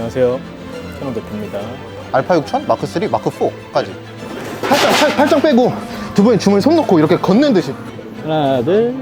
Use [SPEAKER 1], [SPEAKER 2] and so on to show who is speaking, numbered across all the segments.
[SPEAKER 1] 안녕하세요. 캐논 대표입니다.
[SPEAKER 2] 알파 6000, 마크 3, 마크 4까지. 팔짱 빼고 두 분이 주머니 손 넣고 이렇게 걷는 듯이.
[SPEAKER 1] 하나, 둘.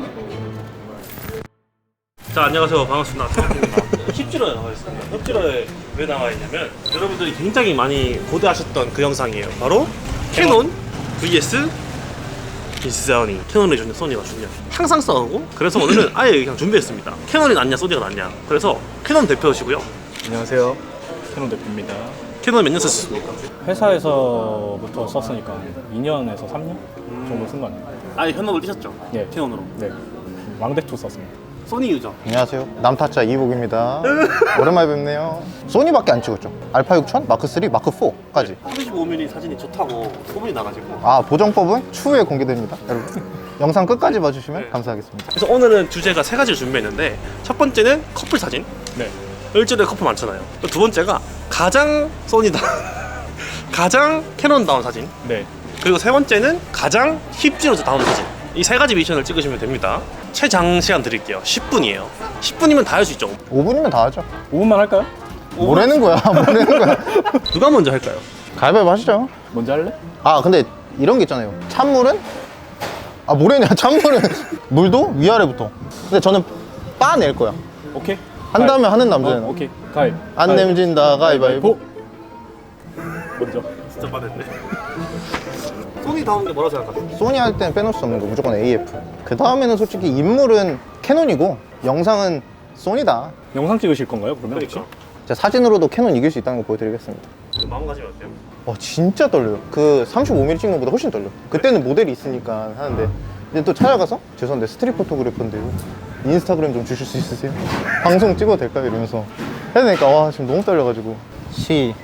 [SPEAKER 3] 자, 안녕하세요. 반갑습니다. 힙지로에 나와 있습니다. 힙지로에 왜 나와 있냐면 여러분들이 굉장히 많이 고대하셨던 그 영상이에요. 바로 캐논 vs 소니. 캐논이 좋냐 소니가 좋냐 항상 싸우고, 그래서 오늘은 아예 그냥 준비했습니다. 캐논이 낫냐 소니가 낫냐. 그래서 캐논 대표시고요.
[SPEAKER 1] 안녕하세요. 캐논 대표입니다.
[SPEAKER 3] 캐논 몇 년 쓰셨습니까?
[SPEAKER 1] 회사에서부터 썼으니까 2년에서 3년 정도 쓴 거 아니에요?
[SPEAKER 3] 아예 현업을 뛰셨죠?
[SPEAKER 1] 네.
[SPEAKER 3] 캐논으로.
[SPEAKER 1] 네. 왕대2 썼습니다.
[SPEAKER 3] 소니 유저.
[SPEAKER 2] 안녕하세요. 남타짜 이복입니다. 오랜만에 뵙네요. 소니밖에 안 찍었죠. 알파 6000, 마크 3, 마크 4까지.
[SPEAKER 3] 35mm 사진이 좋다고 소문이 나가지고.
[SPEAKER 2] 아, 보정법은 추후에 공개됩니다, 여러분. 영상 끝까지 봐주시면
[SPEAKER 3] 네.
[SPEAKER 2] 감사하겠습니다.
[SPEAKER 3] 그래서 오늘은 주제가 세 가지를 준비했는데, 첫 번째는 커플 사진.
[SPEAKER 1] 네.
[SPEAKER 3] 일주일에 커플 많잖아요. 두 번째가 가장 소니다 가장 캐논다운 사진.
[SPEAKER 1] 네.
[SPEAKER 3] 그리고 세 번째는 가장 힙지로서 다운 사진. 이 세 가지 미션을 찍으시면 됩니다. 최장 시간 드릴게요. 10분이에요. 10분이면 다 할 수 있죠.
[SPEAKER 2] 5분이면 다 하죠.
[SPEAKER 1] 5분만 할까요?
[SPEAKER 2] 뭐라는 거야, 뭐라는 거야.
[SPEAKER 3] 누가 먼저 할까요?
[SPEAKER 2] 가위바위보 하시죠.
[SPEAKER 1] 먼저 할래?
[SPEAKER 2] 아, 근데 이런 게 있잖아요. 찬물은? 아, 뭐래냐, 찬물은. 물도 위아래부터. 근데 저는 빠낼 거야.
[SPEAKER 1] 오케이.
[SPEAKER 2] 한다면 하는 남자는.
[SPEAKER 1] 오케이. 가위.
[SPEAKER 2] 안 nem진다, 가위바위보.
[SPEAKER 1] 먼저.
[SPEAKER 3] 진짜 빠졌네. 소니 다운 게 뭐라고 생각하세요?
[SPEAKER 2] 소니 할 때는 빼놓을 수 없는 거 무조건 AF. 그 다음에는 솔직히 인물은 캐논이고 영상은 소니다.
[SPEAKER 1] 영상 찍으실 건가요? 그러면 혹시?
[SPEAKER 3] 그러니까
[SPEAKER 2] 제가 사진으로도 캐논 이길 수 있다는 거 보여드리겠습니다.
[SPEAKER 3] 마음가짐이 어때요?
[SPEAKER 2] 진짜 떨려요. 그 35mm 찍는 것보다 훨씬 떨려. 그때는 모델이 있으니까 하는데 이제 또 찾아가서 죄송한데 스트릿 포토그래퍼인데요, 인스타그램 좀 주실 수 있으세요? 방송 찍어도 될까요? 이러면서 해야 되니까 와, 지금 너무 떨려가지고. 시작.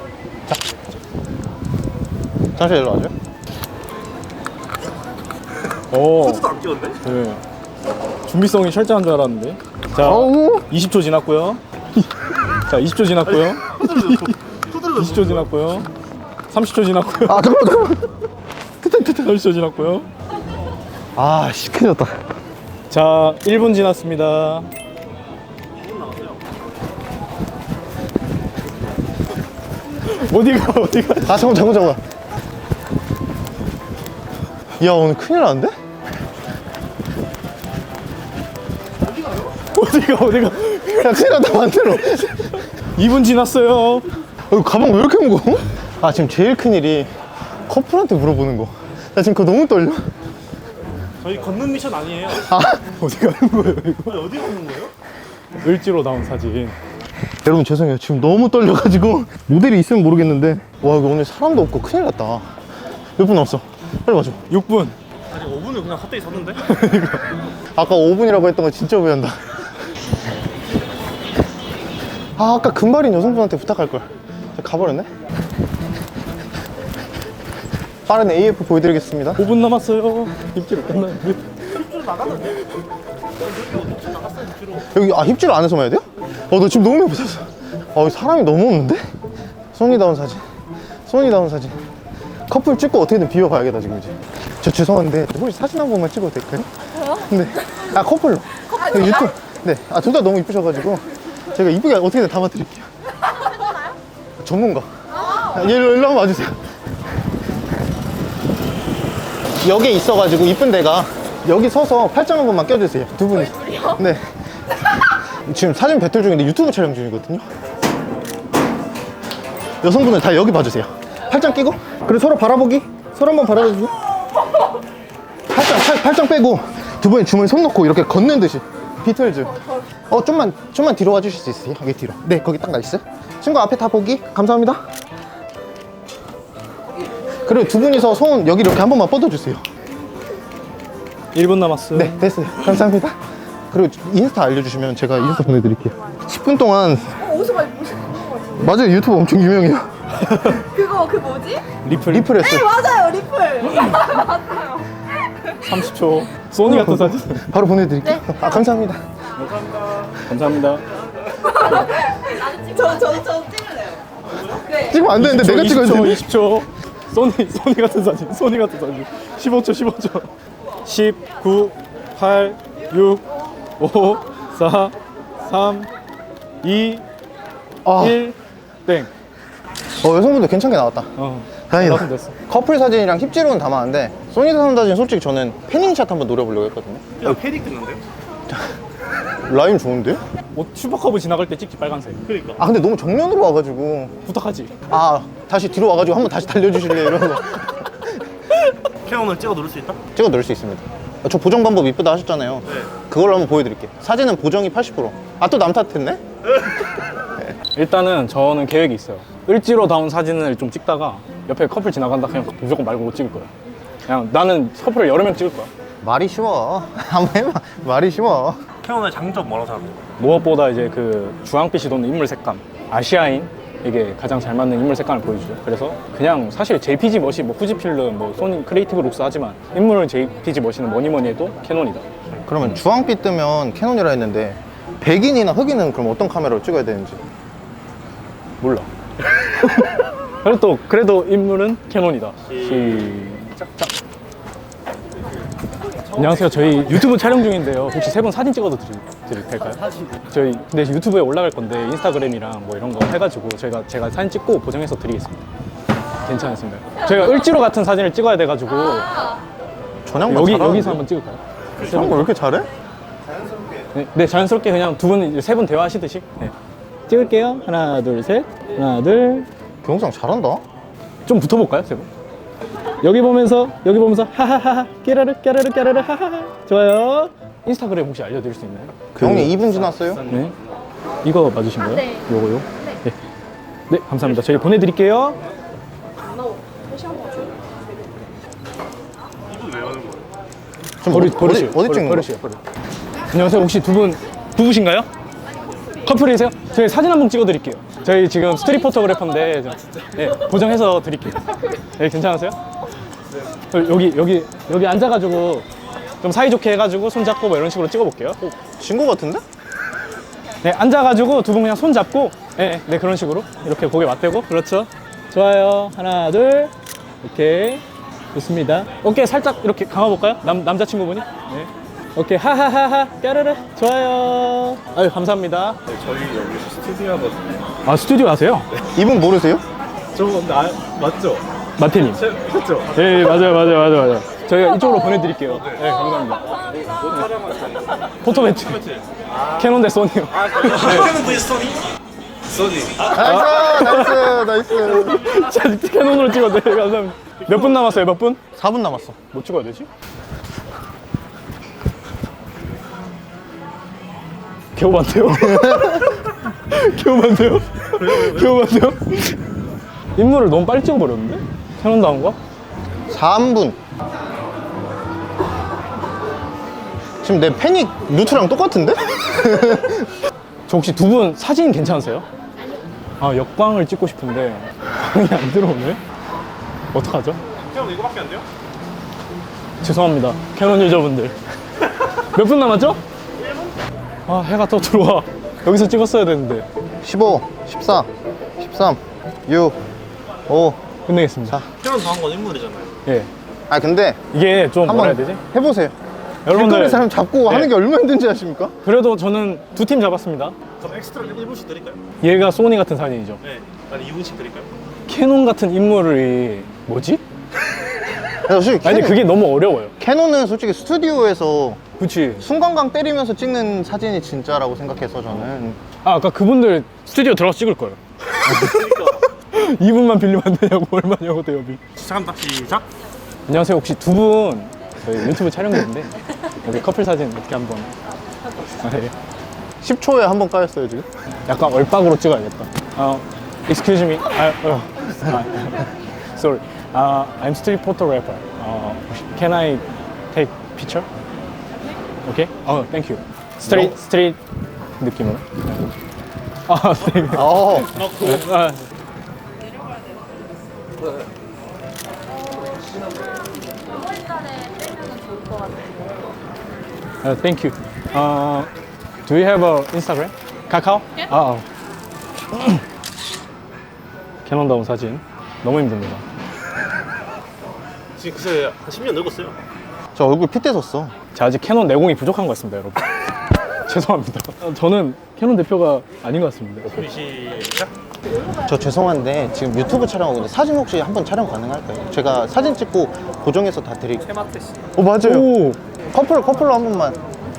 [SPEAKER 2] 잠시 일로 와줘요.
[SPEAKER 1] 오.
[SPEAKER 3] 코드도 안 끼웠네?
[SPEAKER 1] 네. 준비성이 철저한 줄 알았는데. 자,
[SPEAKER 2] 어우.
[SPEAKER 1] 20초 지났고요. 자, 20초 지났고요.
[SPEAKER 3] 코드를
[SPEAKER 1] 20초 지났고요. 30초 지났고요.
[SPEAKER 2] 아, 잠깐만.
[SPEAKER 1] 30초 지났고요.
[SPEAKER 2] 아, 시큰졌다.
[SPEAKER 1] 자, 1분 지났습니다. 어디가?
[SPEAKER 2] 아, 잠깐만. 야, 오늘 큰일 났는데?
[SPEAKER 1] 어디가?
[SPEAKER 2] 야, 큰일 났다, 만들어.
[SPEAKER 1] 2분 지났어요.
[SPEAKER 2] 가방 왜 이렇게 무거워? 아, 지금 제일 큰일이 커플한테 물어보는 거. 나 지금 그거 너무 떨려.
[SPEAKER 3] 저희 걷는 미션 아니에요.
[SPEAKER 1] 어디 가는 거예요, 이거?
[SPEAKER 3] 어디 걷는 거예요?
[SPEAKER 1] 을지로 나온 사진.
[SPEAKER 2] 여러분, 죄송해요. 지금 너무 떨려가지고. 모델이 있으면 모르겠는데. 와, 여기 오늘 사람도 없고 큰일 났다. 몇 분 남았어? 빨리 와줘.
[SPEAKER 1] 6분.
[SPEAKER 3] 아니 5분을 그냥 갑자기 섰는데?
[SPEAKER 2] 아까 5분이라고 했던 거 진짜 후회한다. 아, 아까 금발인 여성분한테 부탁할걸. 가버렸네? 빠른 AF 보여드리겠습니다.
[SPEAKER 1] 5분 남았어요. 입지로 끝났는데.
[SPEAKER 3] 힙지로 나갔는데? 힙지로 나갔어요. 힙지로.
[SPEAKER 2] 여기, 힙질 안에서 해야 돼요? 나 지금 너무 배고팠어. 여기 사람이 너무 없는데? 소니다운 사진. 커플 찍고 어떻게든 비워봐야겠다, 지금 이제. 저 죄송한데, 혹시 사진 한 번만 찍어도 될까요? 네. 커플로. 네, 유튜브. 네. 둘 다 너무 이쁘셔가지고, 제가 이쁘게 어떻게든 담아드릴게요. 전문가. 일로 한번 와주세요. 여기에 있어가지고, 이쁜 데가, 여기 서서 팔짱 한 번만 껴주세요. 두 분이. 둘이요? 네. 지금 사진 배틀 중인데 유튜브 촬영 중이거든요. 여성분들 다 여기 봐주세요. 팔짱 끼고, 그리고 서로 바라보기. 서로 한번 바라보기. 팔짱 빼고 두 분이 주머니 손 넣고 이렇게 걷는 듯이. 비틀즈. 좀만 뒤로 와주실 수 있으세요? 여기 뒤로. 네, 거기 딱 나이스. 친구 앞에 다 보기. 감사합니다. 그리고 두 분이서 손 여기 이렇게 한 번만 뻗어주세요.
[SPEAKER 1] 1분 남았어요.
[SPEAKER 2] 네, 됐어요. 감사합니다. 그리고 인스타 알려주시면 제가 인스타 보내드릴게요. 10분 동안.
[SPEAKER 4] 어디서 많이 보시는 거 같은데?
[SPEAKER 2] 맞아요, 유튜브 엄청 유명해요.
[SPEAKER 4] 그 뭐지?
[SPEAKER 2] 리플했어요.
[SPEAKER 4] 네 맞아요 리플 맞아요.
[SPEAKER 1] 30초. 소니 같은 사진.
[SPEAKER 2] 바로 보내드릴게요. 감사합니다.
[SPEAKER 1] 감사합니다.
[SPEAKER 4] 저 찍을래요. 네.
[SPEAKER 2] 찍으면 안 되는데 내가 찍어야 되는데.
[SPEAKER 1] 20초. 소니 같은 사진. 15초. 10, 9, 8, 6, 5, 4, 3, 2, 1. 땡.
[SPEAKER 2] 여성분들 괜찮게 나왔다. 다행이다.
[SPEAKER 1] 나왔으면 됐어.
[SPEAKER 2] 커플 사진이랑 힙지로는 담았는데 소니 다운 사진 솔직히 저는 패닝샷 한번 노려보려고 했거든요.
[SPEAKER 3] 야 패닉 됐는데?
[SPEAKER 2] 라임 좋은데?
[SPEAKER 1] 슈퍼컵을 지나갈 때 찍지 빨간색.
[SPEAKER 3] 그러니까.
[SPEAKER 2] 아 근데 너무 정면으로 와가지고
[SPEAKER 1] 부탁하지.
[SPEAKER 2] 다시 뒤로 와가지고 한번 다시 달려주실래요? 이러고
[SPEAKER 3] 캐논을 찍어 누를 수 있다?
[SPEAKER 2] 찍어 넣을 수 있습니다. 저 보정 방법 이쁘다 하셨잖아요.
[SPEAKER 3] 네.
[SPEAKER 2] 그걸로 한번 보여드릴게요. 사진은 보정이 80%. 또 남 탓했네?
[SPEAKER 1] 일단은 저는 계획이 있어요. 을지로 다운 사진을 좀 찍다가 옆에 커플 지나간다 그냥 무조건 말고 못 찍을 거야. 그냥 나는 커플을 여러 명 찍을 거야.
[SPEAKER 2] 말이 쉬워. 한번 해봐. 말이 쉬워.
[SPEAKER 3] 캐논의 장점 뭐라고 생각해요?
[SPEAKER 1] 무엇보다 이제 그 주황빛이 도는 인물 색감, 아시아인 이게 가장 잘 맞는 인물 색감을 보여주죠. 그래서 그냥 사실 JPG 멋이 뭐 후지필름, 뭐 소니 크리에이티브 룩스 하지만 인물은 JPG 멋이는 뭐니 해도 캐논이다.
[SPEAKER 2] 그러면 주황빛 뜨면 캐논이라 했는데 백인이나 흑인은 그럼 어떤 카메라로 찍어야 되는지.
[SPEAKER 1] 몰라. 그래도 인물은 캐논이다. 시작. 안녕하세요. 저희 유튜브 촬영 중인데요. 혹시 세 분 사진 찍어도 드려도 될까요? 저희 근데 유튜브에 올라갈 건데 인스타그램이랑 뭐 이런 거 해가지고 제가 사진 찍고 보정해서 드리겠습니다. 괜찮습니다. 저희가 을지로 같은 사진을 찍어야 돼가지고
[SPEAKER 2] 전향만 잘하는데?
[SPEAKER 1] 여기서 한번 찍을까요?
[SPEAKER 2] 저런 거 왜 이렇게 잘해?
[SPEAKER 1] 네, 자연스럽게 그냥 세 분 대화하시듯이 찍을게요. 하나, 둘, 셋. 하나, 둘.
[SPEAKER 2] 경상 잘한다.
[SPEAKER 1] 좀 붙어볼까요, 세 분? 여기 보면서 하하하하 깨라르 하하하. 좋아요. 인스타그램 혹시 알려드릴 수 있나요?
[SPEAKER 2] 형님 2분 지났어요?
[SPEAKER 1] 네. 이거 맞으신 거예요?
[SPEAKER 4] 네.
[SPEAKER 1] 요거요? 네. 네, 감사합니다. 저희 보내드릴게요.
[SPEAKER 2] 좀
[SPEAKER 1] 버리시오.
[SPEAKER 2] 어디 찍는 거야?
[SPEAKER 1] 버리시오. 안녕하세요. 혹시 두 분 부부신가요? 커플이세요? 저희 사진 한 번 찍어드릴게요. 저희 지금 스트릿 포토그래퍼인데 네, 보정해서 드릴게요. 네, 괜찮으세요? 여기 앉아가지고 좀 사이좋게 해가지고 손 잡고 뭐 이런 식으로 찍어볼게요.
[SPEAKER 2] 친구 같은데?
[SPEAKER 1] 네, 앉아가지고 두 분 그냥 손 잡고 네, 그런 식으로 이렇게 고개 맞대고 그렇죠. 좋아요. 하나, 둘. 오케이. 좋습니다. 어깨 살짝 이렇게 감아볼까요? 남자친구분이? 네. 오케이. 하하하하. 까르르. 좋아요. 아유, 감사합니다.
[SPEAKER 3] 저희 여기 스튜디오 하거든요.
[SPEAKER 1] 아, 스튜디오 하세요?
[SPEAKER 2] 이분 모르세요?
[SPEAKER 3] 저 맞죠?
[SPEAKER 1] 마태님.
[SPEAKER 3] 그렇죠?
[SPEAKER 1] 네, 맞아요. 저희가 이쪽으로 보내드릴게요. 네, 감사합니다. 포토매치. 캐논 대 소니요.
[SPEAKER 3] 캐논 vs 소니? 소니.
[SPEAKER 2] 나이스.
[SPEAKER 1] 자, 캐논으로 찍어도 돼요. 감사합니다. 몇 분 남았어요? 몇 분?
[SPEAKER 2] 4분 남았어.
[SPEAKER 1] 뭐 찍어야 되지? 겨우반대요? 겨우반대요? 인물을 너무 빨리 찍어버렸는데? 캐논 다운 거?
[SPEAKER 2] 3분. 지금 내 패닉 루트랑 똑같은데?
[SPEAKER 1] 저 혹시 두 분 사진 괜찮으세요? 아, 역광을 찍고 싶은데 광이 안 들어오네? 어떡하죠?
[SPEAKER 3] 캐논 이거밖에 안 돼요?
[SPEAKER 1] 죄송합니다. 캐논 유저분들. 몇 분 남았죠? 1분? 아, 해가 또 들어와. 여기서 찍었어야 되는데.
[SPEAKER 2] 15, 14, 13, 6, 5.
[SPEAKER 1] 끝내겠습니다.
[SPEAKER 3] 캐논 당한 건 인물이잖아요.
[SPEAKER 1] 예.
[SPEAKER 2] 근데
[SPEAKER 1] 이게 좀 뭐라 해야
[SPEAKER 2] 한번
[SPEAKER 1] 되지?
[SPEAKER 2] 해보세요.
[SPEAKER 1] 여러분들,
[SPEAKER 2] 길거리 사람 잡고
[SPEAKER 1] 네.
[SPEAKER 2] 하는 게 얼마나 힘든지 아십니까?
[SPEAKER 1] 그래도 저는 두 팀 잡았습니다.
[SPEAKER 3] 그럼 엑스트라 1분씩 드릴까요?
[SPEAKER 1] 얘가 소니 같은 사진이죠.
[SPEAKER 3] 네. 아니 2분씩 드릴까요?
[SPEAKER 1] 캐논 같은 인물이 뭐지?
[SPEAKER 2] 솔직히
[SPEAKER 1] 아니, 그게 너무 어려워요.
[SPEAKER 2] 캐논은 솔직히 스튜디오에서
[SPEAKER 1] 그치.
[SPEAKER 2] 승관강 때리면서 찍는 사진이 진짜라고 생각해서 저는.
[SPEAKER 1] 아까 그분들 스튜디오 들어가서 찍을 거예요.
[SPEAKER 3] 그러니까
[SPEAKER 1] 2분만 빌리면 안 되냐고, 얼마냐고, 대여비.
[SPEAKER 3] 시작합니다. 시작.
[SPEAKER 1] 안녕하세요. 혹시 두 분 저희 유튜브 촬영 중인데 여기 커플 사진 어떻게 한번. 네.
[SPEAKER 2] 10초에 한 번 까였어요 지금.
[SPEAKER 1] 약간 얼박으로 찍어야겠다. Excuse me. Sorry. I'm street photographer. Can I take picture? Okay. Thank you. Street 느낌으로. 네. Thank you. Do you have a Instagram? 카카오? 캐논 다운 사진 너무 힘듭니다.
[SPEAKER 3] 지금 그새 한 10년 늙었어요.
[SPEAKER 2] 저 얼굴 핏대 섰어.
[SPEAKER 1] 제가 아직 캐논 내공이 부족한 것 같습니다, 여러분. 죄송합니다. 저는 캐논 대표가 아닌 것 같습니다.
[SPEAKER 3] 시작.
[SPEAKER 2] 저 죄송한데 지금 유튜브 촬영하고 있는데 사진 혹시 한번 촬영 가능할까요? 제가 사진 찍고 고정해서 다 드릴게요.
[SPEAKER 3] 테마트 씨.
[SPEAKER 2] 맞아요.
[SPEAKER 1] 오,
[SPEAKER 2] 커플로 한 번만.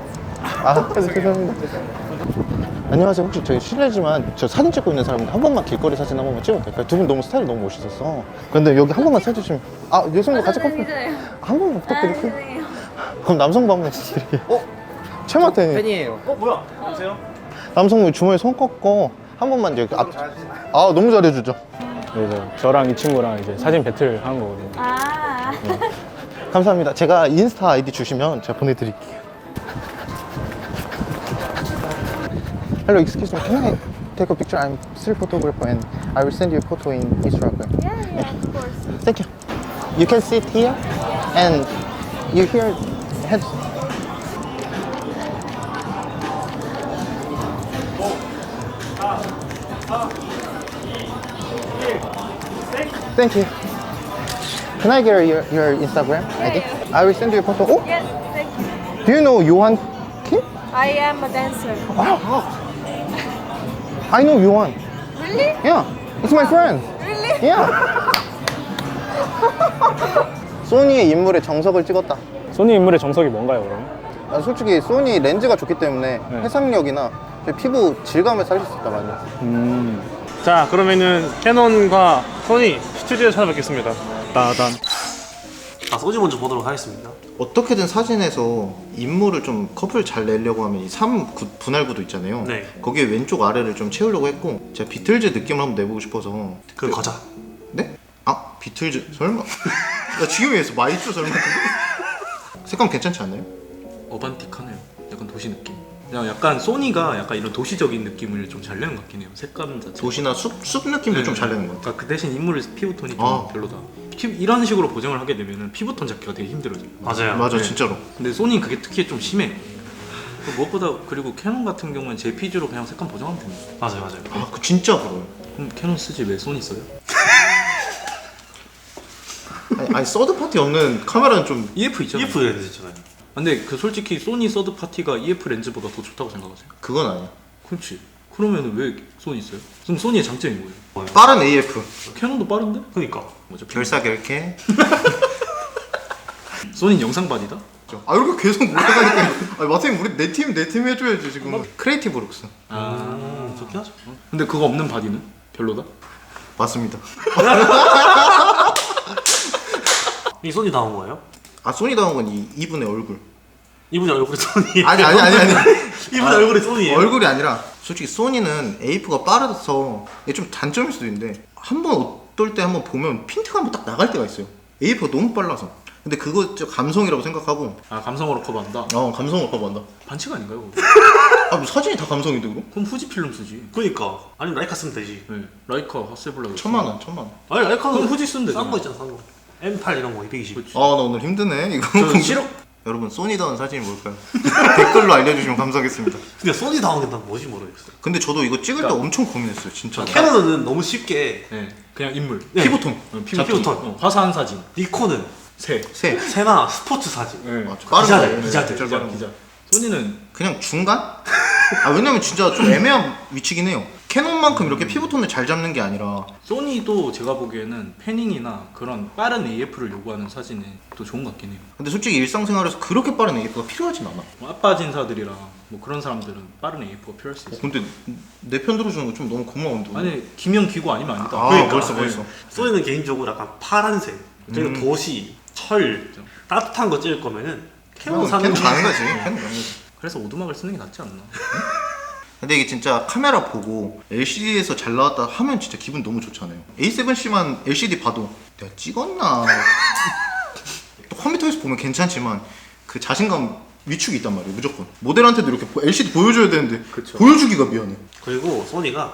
[SPEAKER 2] 죄송합니다. 안녕하세요. 혹시 저희 실례지만 저 사진 찍고 있는 사람인데 한 번만 길거리 사진 한 번만 찍어도 될까요? 두 분 너무 스타일이 너무 멋있었어. 근데 여기 한 번만 써주시면. 예수님도 같이 커플 한 번만 부탁드릴게요. 그럼 남성부 한 번 부탁드릴게요. 최마태님.
[SPEAKER 5] 팬이에요.
[SPEAKER 3] 뭐야? 안녕하세요.
[SPEAKER 2] 남성부 주머니 손 꺾고 한 번만 여기 앞. 너무 잘해주죠.
[SPEAKER 1] 네, 저랑 이 친구랑 이제 사진 배틀 하는 거거든요.
[SPEAKER 4] 아.
[SPEAKER 2] 감사합니다. 제가 인스타 아이디 주시면 제가 보내드릴게요. Hello, excuse me. Can I take a picture? I'm still photographer and I will send you a photo in Instagram.
[SPEAKER 4] Yeah, of course.
[SPEAKER 2] Thank you. You can sit here and you hear head. Thank you. Can I get your Instagram ID? I will send you a photo. Oh,
[SPEAKER 4] Yes, thank you.
[SPEAKER 2] do you know Yohan Kim?
[SPEAKER 4] I am a dancer.
[SPEAKER 2] I know Yohan.
[SPEAKER 4] Really?
[SPEAKER 2] Yeah, it's my friend.
[SPEAKER 4] Really?
[SPEAKER 2] Yeah. 소니의 인물의 정석을 찍었다.
[SPEAKER 1] 소니 인물의 정석이 뭔가요, 그러면?
[SPEAKER 2] 솔직히 소니 렌즈가 좋기 때문에
[SPEAKER 1] 네.
[SPEAKER 2] 해상력이나 피부 질감을 살릴 수 있다 많이.
[SPEAKER 3] 자, 그러면은 캐논과 소니 스튜디오에 찾아뵙겠습니다. 따단. 소니 먼저 보도록 하겠습니다.
[SPEAKER 2] 어떻게든 사진에서 인물을 좀 커플 잘 내려고 하면 이 3 분할구도 있잖아요.
[SPEAKER 3] 네.
[SPEAKER 2] 거기에 왼쪽 아래를 좀 채우려고 했고 제가 비틀즈 느낌을 한번 내보고 싶어서.
[SPEAKER 3] 그 거자.
[SPEAKER 2] 네? 비틀즈 설마? 나 지금 위해서 마이쮸 설마? 색감 괜찮지 않나요?
[SPEAKER 5] 어반틱하네요. 약간 도시 느낌. 그냥 약간 소니가 약간 이런 도시적인 느낌을 좀 잘 내는 것 같긴 해요. 색감 자체.
[SPEAKER 2] 도시나 숲 느낌도 좀 잘 내는 것 같아요.
[SPEAKER 5] 그러니까 그 대신 인물 피부톤이 좀 별로다. 이런 식으로 보정을 하게 되면은 피부톤 잡기가 되게 힘들어져요.
[SPEAKER 3] 맞아요.
[SPEAKER 2] 맞아,
[SPEAKER 5] 네.
[SPEAKER 2] 진짜로.
[SPEAKER 5] 근데 소니는 그게 특히 좀 심해. 무엇보다 그리고 캐논 같은 경우는 JPG로 그냥 색감 보정하면 됩니다.
[SPEAKER 3] 맞아요.
[SPEAKER 2] 그 진짜 부러워요.
[SPEAKER 5] 그럼 캐논 쓰지 왜 소니 써요?
[SPEAKER 2] 아니 서드 파티 없는 카메라는 좀
[SPEAKER 5] EF 있잖아요.
[SPEAKER 3] EF 렌즈 있잖아요.
[SPEAKER 5] 근데 그 솔직히 소니 서드 파티가 EF 렌즈보다 더 좋다고 생각하세요?
[SPEAKER 2] 그건 아니야.
[SPEAKER 5] 그렇지. 그러면 왜 소니 써요? 그럼 소니의 장점이 뭐예요?
[SPEAKER 2] 빠른 AF.
[SPEAKER 5] 캐논도 빠른데?
[SPEAKER 3] 그니까.
[SPEAKER 5] 어차피
[SPEAKER 2] 결사결케.
[SPEAKER 5] 소니는 영상반이다?
[SPEAKER 2] 이렇게 계속 몰아가니까. 마태님 우리 내 팀 해줘야지 지금. 크리에이티브 룩스.
[SPEAKER 3] 좋긴 하죠.
[SPEAKER 5] 근데 그거 없는 바디는? 별로다?
[SPEAKER 2] 맞습니다.
[SPEAKER 3] 이 소니 나온 거예요?
[SPEAKER 2] 소니 나온 건 이분의 얼굴.
[SPEAKER 3] 이분이 얼굴이 소니.
[SPEAKER 2] 아니.
[SPEAKER 3] 이분의 얼굴이 소니예요.
[SPEAKER 2] 얼굴이 아니라 솔직히 소니는 AF가 빠르서 이게 좀 단점일 수도 있는데 한번 어떨 때 한번 보면 핀트가 한번 딱 나갈 때가 있어요. AF가 너무 빨라서. 근데 그거 진짜 감성이라고 생각하고.
[SPEAKER 5] 감성으로 커버한다?
[SPEAKER 2] 감성을 커버한다.
[SPEAKER 5] 반칙 아닌가요? 그거?
[SPEAKER 2] 뭐 사진이 다 감성인데 그럼?
[SPEAKER 5] 그럼 후지필름 쓰지.
[SPEAKER 3] 그니까. 아니면 라이카 쓰면 되지.
[SPEAKER 5] 네. 라이카 하세블라
[SPEAKER 2] 1000만 원.
[SPEAKER 3] 아니 라이카는
[SPEAKER 5] 그럼 후지 쓰면
[SPEAKER 3] 싼
[SPEAKER 5] 되잖아.
[SPEAKER 3] 거 있잖아. 싼 거. M8 이런 거 220.
[SPEAKER 2] 나 오늘 힘드네 이거.
[SPEAKER 5] 저는 싫어.
[SPEAKER 2] 여러분 소니다운 사진이 뭘까요? 댓글로 알려주시면 감사하겠습니다.
[SPEAKER 3] 근데 소니 나온 게 난 뭔지 모르겠어요.
[SPEAKER 2] 근데 저도 이거 찍을 때 엄청 고민했어요 진짜.
[SPEAKER 3] 캐논은 너무 쉽게
[SPEAKER 5] 네. 그냥 인물.
[SPEAKER 3] 네.
[SPEAKER 2] 피부톤.
[SPEAKER 3] 피부톤.
[SPEAKER 5] 화사한 사진.
[SPEAKER 3] 니콘은
[SPEAKER 5] 새.
[SPEAKER 3] 새나 스포츠 사진.
[SPEAKER 5] 네.
[SPEAKER 2] 맞죠. 빠른
[SPEAKER 3] 기자들,
[SPEAKER 2] 거.
[SPEAKER 3] 기자들.
[SPEAKER 2] 진짜 빠른 거.
[SPEAKER 5] 기자. 소니는
[SPEAKER 2] 그냥 중간? 왜냐면 진짜 좀 애매한 위치긴 해요. 캐논만큼 이렇게 피부톤을 잘 잡는 게 아니라.
[SPEAKER 5] 소니도 제가 보기에는 패닝이나 그런 빠른 AF를 요구하는 사진이 또 좋은 것 같긴 해요.
[SPEAKER 2] 근데 솔직히 일상생활에서 그렇게 빠른 AF가 필요하진 않아.
[SPEAKER 5] 뭐 아빠 진사들이랑 뭐 그런 사람들은 빠른 AF가 필요할 수 있어요.
[SPEAKER 2] 근데 내 편 들어주는 거 좀 너무 고마운데.
[SPEAKER 5] 아니 김영 기고 아니면 아니다.
[SPEAKER 2] 벌써.
[SPEAKER 3] 소니는 개인적으로 약간 파란색, 그리고 도시, 철, 따뜻한 거 찍을 거면은 캐논 사는
[SPEAKER 2] 캐논
[SPEAKER 3] 게
[SPEAKER 2] 가는 거지. 캐논 가는 거지.
[SPEAKER 5] 그래서 오두막을 쓰는 게 낫지 않나?
[SPEAKER 2] 근데 이게 진짜 카메라 보고 LCD에서 잘 나왔다 하면 진짜 기분 너무 좋잖아요. A7C만 LCD 봐도 내가 찍었나? 또 컴퓨터에서 보면 괜찮지만 그 자신감 위축이 있단 말이에요. 무조건 모델한테도 이렇게 LCD 보여줘야 되는데
[SPEAKER 5] 그쵸.
[SPEAKER 2] 보여주기가 미안해.
[SPEAKER 3] 그리고 소니가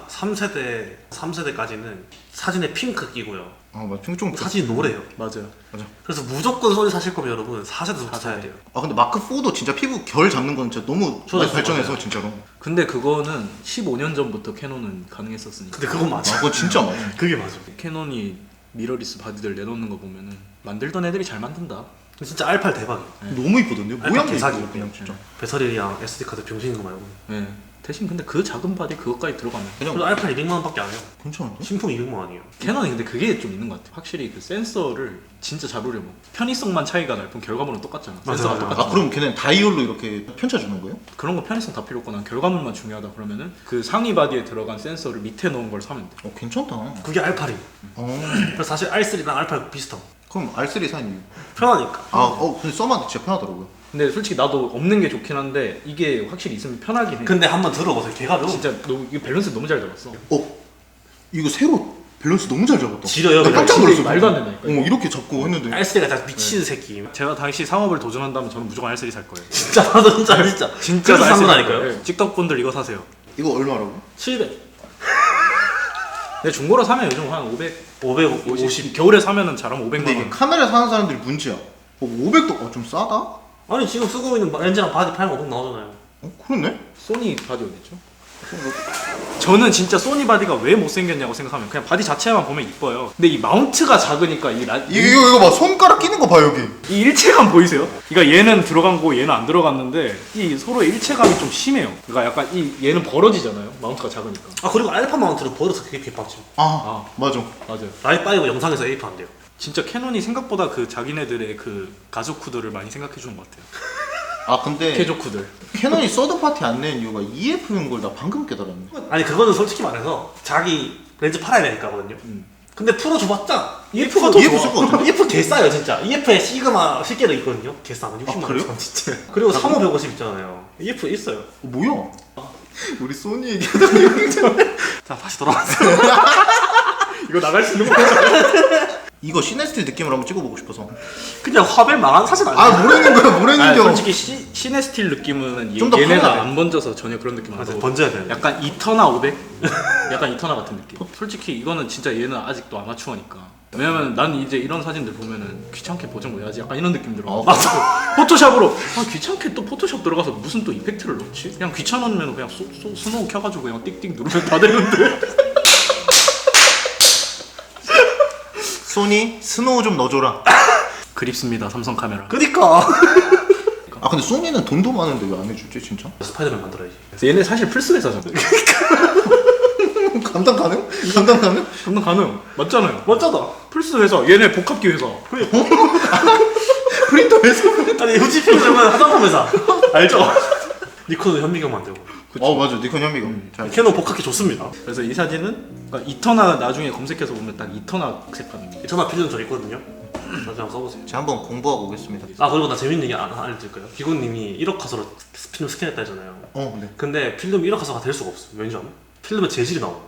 [SPEAKER 3] 3세대까지는 사진에 핑크 끼고요.
[SPEAKER 2] 맞아. 좀
[SPEAKER 3] 사진이 노래요.
[SPEAKER 5] 맞아요.
[SPEAKER 3] 그래서 무조건 소니 사실 거면 여러분 4세대부터 사야 돼요.
[SPEAKER 2] 근데 마크 4도 진짜 피부 결 잡는 건 진짜 너무 많이 발전해서
[SPEAKER 3] 맞아요.
[SPEAKER 2] 진짜로.
[SPEAKER 5] 근데 그거는 15년 전부터 캐논은 가능했었으니까.
[SPEAKER 3] 근데 그건 맞아.
[SPEAKER 2] 그거 진짜 맞아.
[SPEAKER 3] 그게 맞아.
[SPEAKER 5] 캐논이 미러리스 바디들 내놓는 거 보면은 만들던 애들이 잘 만든다.
[SPEAKER 3] 진짜 R8 대박이에요.
[SPEAKER 2] 너무 이쁘던데요? 모양도
[SPEAKER 3] 대사기
[SPEAKER 2] 이쁘고 그냥 진짜.
[SPEAKER 3] 배터리랑 SD 카드 병신인 거 말고.
[SPEAKER 5] 네. 대신 근데 그 작은 바디 그것까지 들어가면
[SPEAKER 3] 그래도 R8 200만 원밖에 안 해요.
[SPEAKER 2] 괜찮은데?
[SPEAKER 3] 신품 200만 원이에요.
[SPEAKER 5] 캐논이 근데 그게 좀 있는 것 같아. 확실히 그 센서를 진짜 잡으려면 편의성만 차이가 날 뿐 결과물은 똑같잖아.
[SPEAKER 3] 맞아,
[SPEAKER 5] 센서가
[SPEAKER 3] 맞아.
[SPEAKER 5] 똑같아.
[SPEAKER 2] 아 그럼 걔는 다이얼로 이렇게 펼쳐주는 거예요?
[SPEAKER 5] 그런 거 편의성 다 필요 없고 난 결과물만 중요하다 그러면은 그 상위 바디에 들어간 센서를 밑에 넣은 걸 사면 돼.
[SPEAKER 2] 괜찮다.
[SPEAKER 3] 그게 R8이에요. 그래서 사실 R3랑 R8 비슷함.
[SPEAKER 2] 그럼 R3 산 이유?
[SPEAKER 3] 편하니까.
[SPEAKER 2] 근데 써봤는데 진짜 편하더라고요.
[SPEAKER 5] 근데 솔직히 나도 없는 게 좋긴 한데 이게 확실히 있으면 편하긴 해.
[SPEAKER 3] 근데 한번 들어보세요. 개가벼워.
[SPEAKER 5] 진짜 이게 밸런스 너무 잘 잡았어.
[SPEAKER 2] 이거 새로 밸런스 너무 잘 잡았다.
[SPEAKER 3] 지려요,
[SPEAKER 2] 나 깜짝
[SPEAKER 3] 그냥.
[SPEAKER 2] 놀랐어.
[SPEAKER 5] 말도 안 된다니까.
[SPEAKER 2] 이렇게 잡고 했는데.
[SPEAKER 3] R3가 다 미친 새끼.
[SPEAKER 5] 제가 당시 상업을 도전한다면 저는 무조건 R3 살 거예요.
[SPEAKER 3] 진짜 나도 진짜.
[SPEAKER 5] 진짜
[SPEAKER 3] 그래서 산
[SPEAKER 5] R3
[SPEAKER 3] 거라니까요.
[SPEAKER 5] 네. 찍덕분들 이거 사세요.
[SPEAKER 2] 이거 얼마라고?
[SPEAKER 3] 700.
[SPEAKER 5] 근데 중고로 사면 요즘 한
[SPEAKER 3] 550.
[SPEAKER 5] 겨울에 사면은 잘하면 500만
[SPEAKER 2] 근데 이게
[SPEAKER 5] 원.
[SPEAKER 2] 카메라 사는 사람들이 문제야. 500도 좀 싸다?
[SPEAKER 3] 아니 지금 쓰고 있는 렌즈랑 바디 8,500 나오잖아요.
[SPEAKER 2] 그렇네?
[SPEAKER 5] 소니 바디 어디죠? 저는 진짜 소니 바디가 왜 못생겼냐고 생각하면 그냥 바디 자체만 보면 이뻐요. 근데 이 마운트가 작으니까
[SPEAKER 2] 이거 봐. 손가락 끼는 거 봐 여기.
[SPEAKER 5] 이 일체감 보이세요? 그러니까 얘는 들어간 거 얘는 안 들어갔는데 이 서로의 일체감이 좀 심해요. 그러니까 약간 얘는 벌어지잖아요. 마운트가 작으니까.
[SPEAKER 3] 아 그리고 알파 마운트를 버려서 그게 개빡침.
[SPEAKER 2] 맞아.
[SPEAKER 5] 맞아요.
[SPEAKER 3] 라이5 영상에서 에이프 안 돼요.
[SPEAKER 5] 진짜 캐논이 생각보다 그 자기네들의 그 가족쿠들을 많이 생각해 주는 것 같아요.
[SPEAKER 2] 근데
[SPEAKER 5] 캐조쿠들.
[SPEAKER 2] 캐논이 서드파티 안 내는 이유가 EF인 걸 나 방금 깨달았네.
[SPEAKER 3] 아니 그거는 솔직히 말해서 자기 렌즈 팔아야 되니까거든요. 근데 풀어줘봤자 EF가 더
[SPEAKER 2] EF
[SPEAKER 3] 좋아.
[SPEAKER 2] 쓸것 같은데?
[SPEAKER 3] EF 개 싸요 진짜. EF에 시그마 실계도 있거든요. 개 싸면 60만 원.
[SPEAKER 2] 그래요?
[SPEAKER 3] 진짜. 그리고 3550 있잖아요. EF 있어요.
[SPEAKER 2] 뭐야? 우리 소니 얘기하다 여기
[SPEAKER 3] 자 다시 돌아왔어요.
[SPEAKER 5] 이거 나갈 수 있는 거 같아.
[SPEAKER 2] 이거 시네스틸 느낌으로 한번 찍어보고 싶어서.
[SPEAKER 3] 그냥 화벨 망한 사진 아니야?
[SPEAKER 2] 뭐라는 거야? 뭐라는 겨?
[SPEAKER 5] 솔직히 시네스틸 느낌은
[SPEAKER 2] 좀더
[SPEAKER 5] 얘네가
[SPEAKER 2] 편하네.
[SPEAKER 5] 안 번져서 전혀 그런 느낌 안
[SPEAKER 3] 맞아
[SPEAKER 5] 나고
[SPEAKER 3] 번져야 돼.
[SPEAKER 5] 약간 이터나 500? 약간 이터나 같은 느낌. 솔직히 이거는 진짜 얘는 아직도 아마추어니까. 왜냐면 난 이제 이런 사진들 보면은 귀찮게 보정을 해야지 약간 이런 느낌 들어.
[SPEAKER 3] 맞아.
[SPEAKER 5] 포토샵으로 귀찮게 또 포토샵 들어가서 무슨 또 이펙트를 넣지? 그냥 귀찮으면 그냥 스노우 켜가지고 그냥 띡띡 누르면 다 되는데.
[SPEAKER 2] 소니 스노우 좀 넣어줘라.
[SPEAKER 5] 그립습니다 삼성 카메라.
[SPEAKER 3] 그니까.
[SPEAKER 2] 근데 소니는 돈도 많은데 왜 안 해주지 진짜?
[SPEAKER 3] 스파이더맨 만들어야지.
[SPEAKER 5] 얘네 사실 플스 회사잖아.
[SPEAKER 2] 감당 가능? 감당 가능?
[SPEAKER 5] 감당 가능. 맞잖아요.
[SPEAKER 3] 멋져다.
[SPEAKER 5] 플스 회사. 얘네 복합기 회사.
[SPEAKER 2] 프린터 회사?
[SPEAKER 3] 아니 후지필름은 화장품 회사. 알죠? 니콘은 현미경 만들고.
[SPEAKER 2] 맞아. 니콘 현미경. 잘.
[SPEAKER 3] 캐논 복합기 좋습니다.
[SPEAKER 5] 그래서 이 사진은 그러니까 이터나 나중에 검색해서 보면 딱 이터나 색감입니다.
[SPEAKER 3] 이터나 필름 저 있거든요. 나중에 한번 써보세요.
[SPEAKER 2] 제가 한번 공부하고 오겠습니다.
[SPEAKER 3] 그리고 나 재밌는 얘기 알려드릴까요? 기곤님이 1억 화소로 필름 스캔했다 했잖아요.
[SPEAKER 2] 네.
[SPEAKER 3] 근데 필름 1억 화소가 될 수가 없어. 왠지 알아? 필름에 재질이 나와.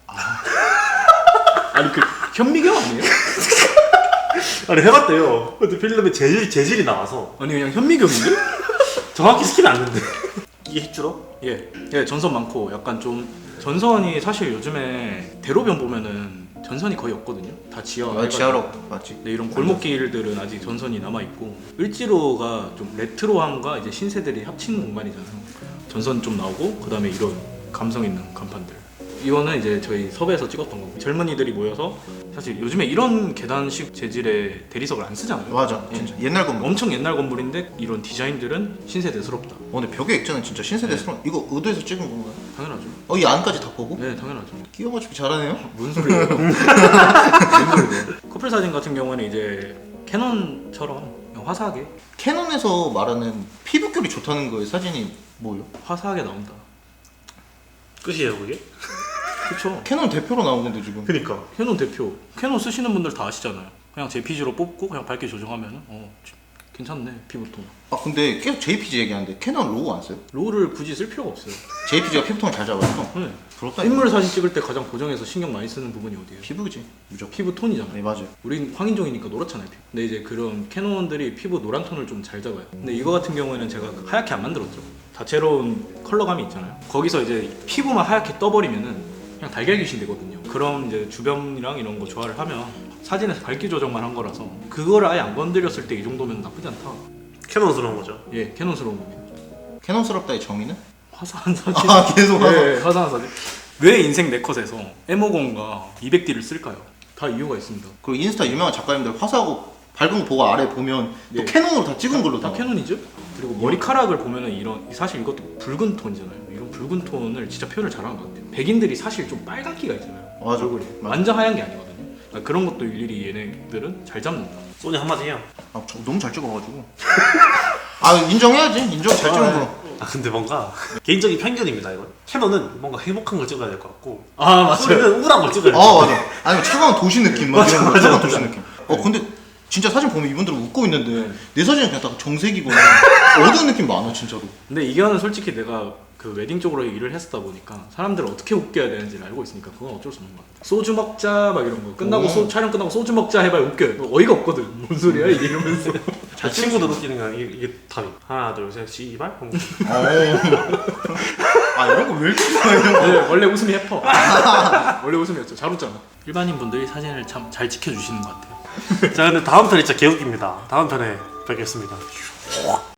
[SPEAKER 5] 아니 그 현미경 아니에요?
[SPEAKER 3] 아니 해봤대요. 근데 필름에 재질이 나와서
[SPEAKER 5] 아니 그냥 현미경인데?
[SPEAKER 3] 정확히 스캔이 안 된대. 이게 핵주로?
[SPEAKER 5] 예, 전선 많고 약간 좀 전선이 사실 요즘에 대로변 보면은 전선이 거의 없거든요. 다 지하.
[SPEAKER 2] 지하로 맞지.
[SPEAKER 5] 근데 이런 골목길들은 아직 전선이 남아 있고 을지로가 좀 레트로함과 이제 신세들이 합친 공간이잖아요. 전선 좀 나오고 그다음에 이런 감성 있는 간판들. 이거는 이제 저희 섭외에서 찍었던 거고 젊은이들이 모여서 사실 요즘에 이런 계단식 재질의 대리석을 안 쓰잖아요.
[SPEAKER 2] 맞아. 진짜 옛날 건물.
[SPEAKER 5] 엄청 옛날 건물인데 이런 디자인들은 신세대스럽다.
[SPEAKER 2] 근데 벽의 액자는 진짜 신세대스러운. 이거 의도해서 찍은 건가요?
[SPEAKER 5] 당연하죠.
[SPEAKER 2] 이 안까지 다 보고?
[SPEAKER 5] 네, 당연하죠.
[SPEAKER 2] 끼워 맞추기 잘하네요.
[SPEAKER 5] 무슨 소리예요? 무슨 소리예요? 커플 사진 같은 경우는 이제 캐논처럼 그냥 화사하게
[SPEAKER 2] 캐논에서 말하는 피부결이 좋다는 거의 사진이 뭐예요?
[SPEAKER 5] 화사하게 나온다.
[SPEAKER 3] 끝이에요 그게?
[SPEAKER 5] 그렇죠.
[SPEAKER 2] 캐논 대표로 나온 건데 지금.
[SPEAKER 3] 그니까.
[SPEAKER 5] 캐논 대표. 캐논 쓰시는 분들 다 아시잖아요. 그냥 JPG로 뽑고 그냥 밝게 조정하면 괜찮네 피부톤.
[SPEAKER 2] 근데 계속 JPG 얘기하는데 캐논 로고 안 써요?
[SPEAKER 5] 로우를 굳이 쓸 필요가 없어요.
[SPEAKER 2] JPG가 피부톤을 잘 잡아서.
[SPEAKER 5] 네.
[SPEAKER 2] 부럽다.
[SPEAKER 5] 인물 사진 찍을 때 가장 고정해서 신경 많이 쓰는 부분이 어디예요?
[SPEAKER 2] 피부지 무조건.
[SPEAKER 5] 피부톤이잖아요.
[SPEAKER 2] 네 맞아요.
[SPEAKER 5] 우린 황인종이니까 노랗잖아요. 피부. 근데 이제 그런 캐논들이 피부 노란 톤을 좀 잘 잡아요. 근데 이거 같은 경우에는 제가 하얗게 안 만들었죠. 다채로운 컬러감이 있잖아요. 거기서 이제 피부만 하얗게 떠버리면은 그냥 달걀 귀신 되거든요. 그럼 이제 주변이랑 이런 거 조화를 하면 사진에서 밝기 조정만 한 거라서 그거를 아예 안 건드렸을 때 이 정도면 나쁘지 않다.
[SPEAKER 3] 캐논스러운 거죠.
[SPEAKER 5] 예, 캐논스러운 겁니다.
[SPEAKER 2] 캐논스럽다의 정의는?
[SPEAKER 5] 화사한 사진.
[SPEAKER 2] 계속 화사.
[SPEAKER 5] 네, 화사한 사진. 왜 인생 네컷에서 M50과 200D를 쓸까요? 다 이유가 있습니다.
[SPEAKER 2] 그리고 인스타 유명한 작가님들 화사하고 밝은 거 보고 아래 보면 또
[SPEAKER 5] 네.
[SPEAKER 2] 캐논으로 다 찍은 걸로
[SPEAKER 5] 다 캐논이죠. 그리고 머리카락을 보면은 이런 사실 이것도 붉은 톤이잖아요. 이런 붉은 톤을 진짜 표현을 잘하는 것 같아요. 백인들이 사실 좀 빨갛기가 있잖아요.
[SPEAKER 2] 맞아.
[SPEAKER 5] 얼굴이 완전 하얀 게 아니거든요. 그러니까 그런 것도 일일이 얘네들은 잘 잡는다.
[SPEAKER 3] 소니 한마디 해요.
[SPEAKER 2] 아, 저 너무 잘 찍어가지고. 아, 인정해야지. 인정 잘 찍은 거.
[SPEAKER 3] 아 근데 뭔가 개인적인 편견입니다 이건. 캐논은 뭔가 행복한 걸 찍어야 될 것 같고
[SPEAKER 5] 아 맞아요.
[SPEAKER 3] 소니는 우울한 걸 찍어야 될 것
[SPEAKER 2] 아,
[SPEAKER 3] 같아요.
[SPEAKER 2] 맞아. 아니, 차가운 도시 느낌 막 이런 거. 차가운 도시 느낌. 근데 진짜 사진 보면 이분들은 웃고 있는데 내 사진은 그냥 딱 정색이거나 어두운 느낌 많아, 진짜로.
[SPEAKER 5] 근데 이거는 솔직히 내가 그 웨딩 쪽으로 일을 했었다 보니까 사람들을 어떻게 웃겨야 되는지를 알고 있으니까 그건 어쩔 수 없는 것 같아. 소주 먹자 막 이런 거 끝나고 촬영 끝나고 소주 먹자 해봐야 웃겨요. 어이가 없거든. 뭔 소리야 이게 이러면서.
[SPEAKER 3] 제 친구들 웃기는 건 이게 답이. 하나 둘 셋 씨발.
[SPEAKER 2] 아, 이런 거 왜 이렇게 좋아해, 이런 거.
[SPEAKER 5] 네, 원래 웃음이 해퍼. 원래 웃음이었죠. 잘 웃잖아. 일반인 분들이 사진을 참 잘 지켜주시는 것 같아요.
[SPEAKER 3] 자 근데 다음 편이 진짜 개웃깁니다. 다음 편에 뵙겠습니다.